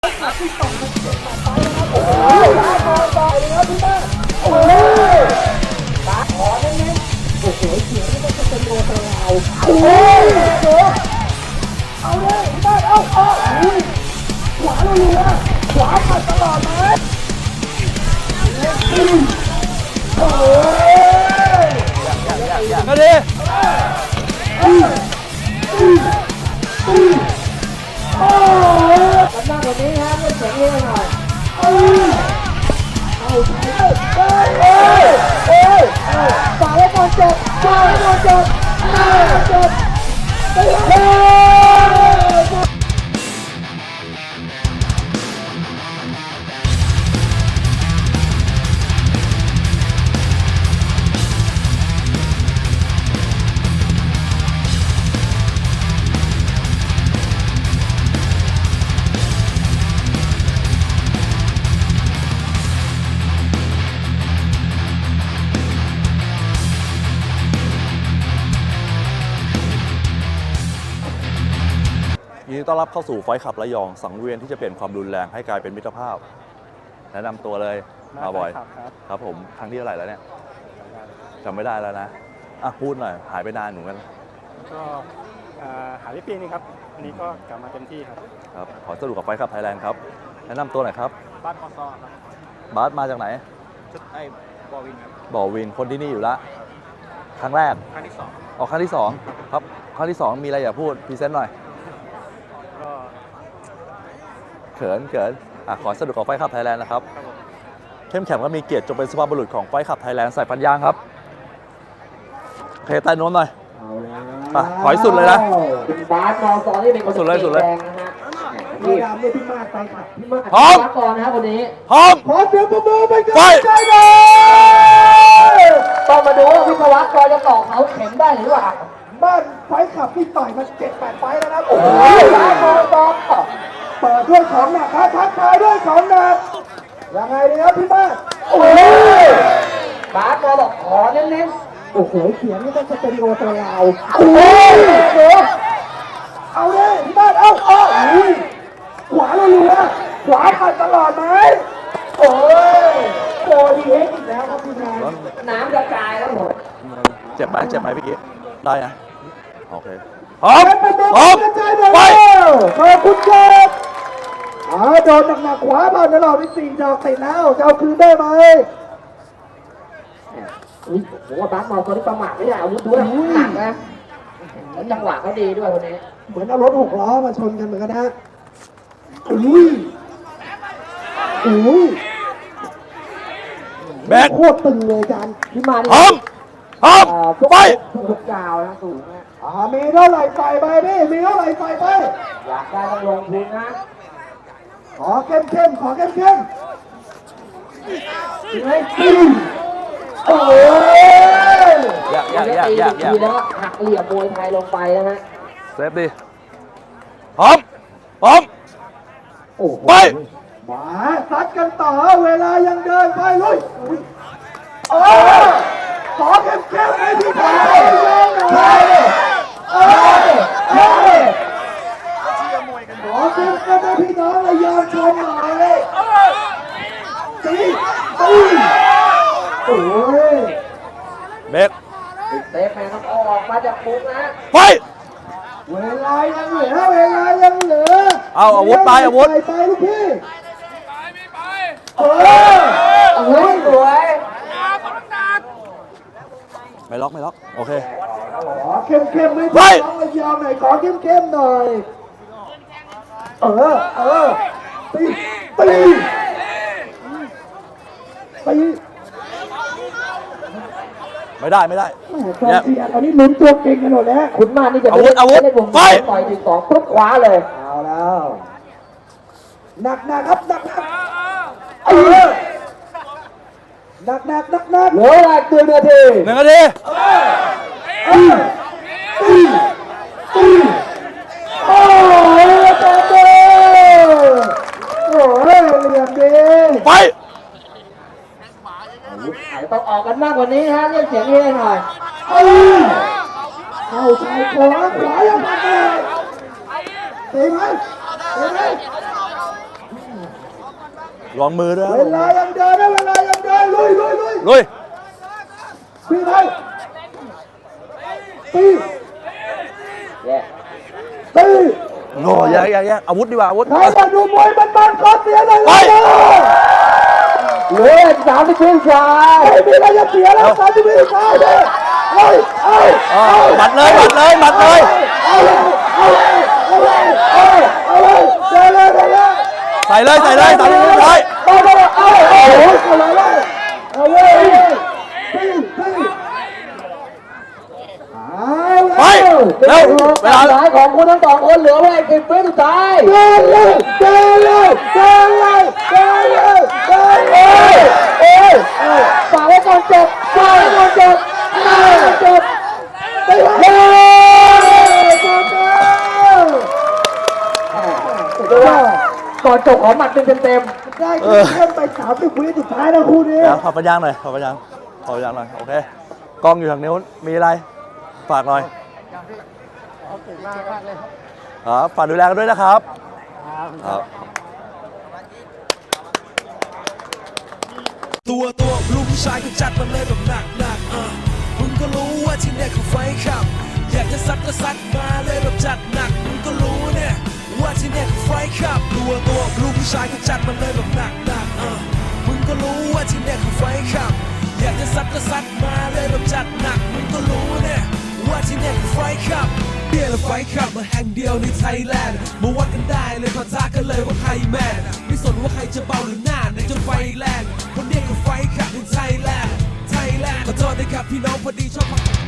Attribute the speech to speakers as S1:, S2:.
S1: ที่ต่อมาเจ็บต่อไปนะครับโอ้ยได้บอลต่อยเลยครับพี่แม่โอ้ยตาขอเน้นๆโอ้โหเสียงนี่มันจะเป็นโรตเราโอ้ยเดี๋ยวเอาเลยพี่แม่เอาอุ้ยขวาลุยนะขวาผ่านตลอดเลยโอ้ย
S2: ก็ดี
S1: กันหน้าแบบนี้นะเล่นเสียงเองหน่อยฝ่ายบอลจบฝ่ายบอลจบจบ
S2: ยินดีต้อนรับเข้าสู่ไฟท์ขับระยองสังเวียนที่จะเปลี่ยนความรุนแรงให้กลายเป็นมิตรภาพแนะนำตัวเลยมาบ่อยครับผมครั้งที่เท่าไหร่แล้วเนี่ยจำไม่ได้แล้วนะพูดหน่อยหายไปนานเหมือนกัน
S3: ก็หายไปปีนึงครับอันนี้ก็กลับมาเต็มที่ครับ
S2: ขอสรุปกับไฟท์ขับไทยแลนด์ครับแนะนำตัวหน่อยครับ
S3: บ้านมอซอครับ
S2: บาสมาจากไหน
S3: ไอ้บอวินครับ
S2: บ่อวินคนที่นี่อยู่ละครั้งแรก
S3: ครั้งที่2
S2: ครั้งที่2ครับครั้งที่2มีอะไรอยากพูดพรีเซนต์หน่อยเขินขอสรุปของไฟขับไทยแลนด์นะครับเข้มแข็งก็มีเกียรติจงเป็นสุภาพบุรุษของไฟขับไทยแลนด์ใส่ฟันยางครับโอเคใต้โน้นหน่อยถอยสุดเลยนะ
S1: บาสมอซอนี่เป็นคน
S2: สุดเลยนะฮะ
S1: นี่ดำเนี่ยพี่มาไปขับพี่มา
S2: พร้อม
S1: ก่อนนะครับวันนี้
S2: พร้อม
S1: ขอเสียงปรบมือไปกันใจเลยต้องมาดูว่าวิศวกรจะต่อเขาเข็มได้หรือเปล่าบ้านไฟขับที่ต่อยมา7-8 ไฟแล้วนะโอ้ยบาสมอซอเปิดด้วยของหนักครับทักทายด้วยของหนักยังไงดีครับพี่บ้านโอ้ยบาสมอบอกขอเน้นๆโอ้โหเสียงนี่ต้องจะเป็นโรตเราโอ้ยเอาเลยพี่บ้านเอาอุ้ยขวาลุยนะขวาผ่านตลอดไหมโอ้ยโคดีเอ็กอีกแล้วครับพี่นายน้ำกระจายแล้วหมด
S2: เจ็บไหมพี่กิ๊ได้นะโอเคพร้อมไป
S1: ขอบคุณครับโดนหนักๆขวาผ่านตลอดไป4 ดอกติดแล้วจะเอาคืนได้ไหมผมว่าบาสมอลตัวนี้ประมาทไม่ได้อาวุธด้วยหนักนะแล้วจังหวะเขาดีด้วยคนนี้เหมือนเอารถ6 ล้อมาชนกันเหมือนกันนะอุ้ย
S2: แบ็ค
S1: โคตรตึงเลยจานพี่มา
S2: พร้อมไป
S1: ทุกกาวนะสูงนะมีเท่าไหร่ใส่ไปพี่มีเท่าไหร่ใส่ไปอยากได้ต้องลงทุนนะขอเข้มขอเข้มโอ้ย
S2: อยาก
S1: แล้วหักเหลี่ยมมวยไทยลงไปนะฮะ
S2: เซฟดิพร้อมไป
S1: มาซัดกันต่อเวลายังเดินไปลุยขอเข้มให้พี่ชายขอเข้มให้พี่น้องระยองชมหน่อยเลยตีโอ้ย
S2: เบก
S1: เตะแม่ต้องออกมาจากมุมนะ
S2: ไป
S1: เวลายังเหลือ
S2: เอาอาวุธไปอาวุธ
S1: ไปลูกพี่อาวุธสวย
S2: ไม่ล็อกโอเค
S1: ขอเข้มให้พี่น้องระยองหน่อยขอเข้มหน่อยตี
S2: ไม่ได้
S1: ตอนนี้ลุ้นตัวเก่งกันหมดแล้วคุณมานี่จะ
S2: อาวุธ
S1: ไปต่อย2ปุ๊บคว้าเลยเอาแล้วหนักครับหนักเหลือเวลา1 นาทีโอ้ยตาโตโอ้ยเหลี่ยมดี
S2: ไป
S1: ต้องออกกันมากกว่านี้ฮะเรียกเสียงเฮหน่อยเข้าชายขวายังมาเลยตีไหม
S2: ลองมือด้วย
S1: เวลายังเดินนะเวลายังเดินลุย
S2: ลุย
S1: ตีไทยตีตี
S2: โง่แย่อาวุธดีกว่าอาวุธ
S1: ใครจะดูมวยมันๆขอเสียหน่อย
S2: ไป
S1: เหลือ30 วินาทีไม่มีอะไรจะเสียแล้ว30 วินาทีเลย
S2: หมัดเลยเอาเลยใส่เลย30 วินาที ไปเร็วเวลา
S4: สายของคุณทั้งสองคนเหลือไว้10 วิสุดท้ายฝากไว้ก่อนจบก่อนจบขอหมัดเต็ม
S1: ได้เพิ่มไป30 วิสุดท้ายนะคู่นี้
S2: เดี๋ยวขอปัญญาหน่อยโอเคกล้องอยู่ทางนู้นมีอะไรฝากหน่อยฝากดูแลกันด้วยนะครับครับ
S5: ตัวลูกผู้ชายก็จัดมาเลยแบบหนักมึงก็รู้ว่าที่เนี่ยคือไฟขับอยากจะซัดก็ซัดมาเลยแบบจัดหนักมึงก็รู้เนี่ยว่าที่เนี่ยคือไฟขับตัวลูกผู้ชายก็จัดมาเลยแบบหนักมึงก็รู้ว่าที่เนี่ยคือไฟขับอยากจะซัดก็ซัดมาเลยแบบจัดหนักมึงก็รู้เนี่ยว่าที่เนี่ยคือไฟขับเบียร์และไฟขับมาแห่งเดียวในไทยแลนด์มาวัดกันได้เลยปะทะกันเลยว่าใครแมนไม่สนว่าใครจะเบาหรือหน้าในจนไฟแรงคนเนี้ยคือไฟขับในไทยแลนด์ขอโทษนะครับพี่น้องพอดีชอบ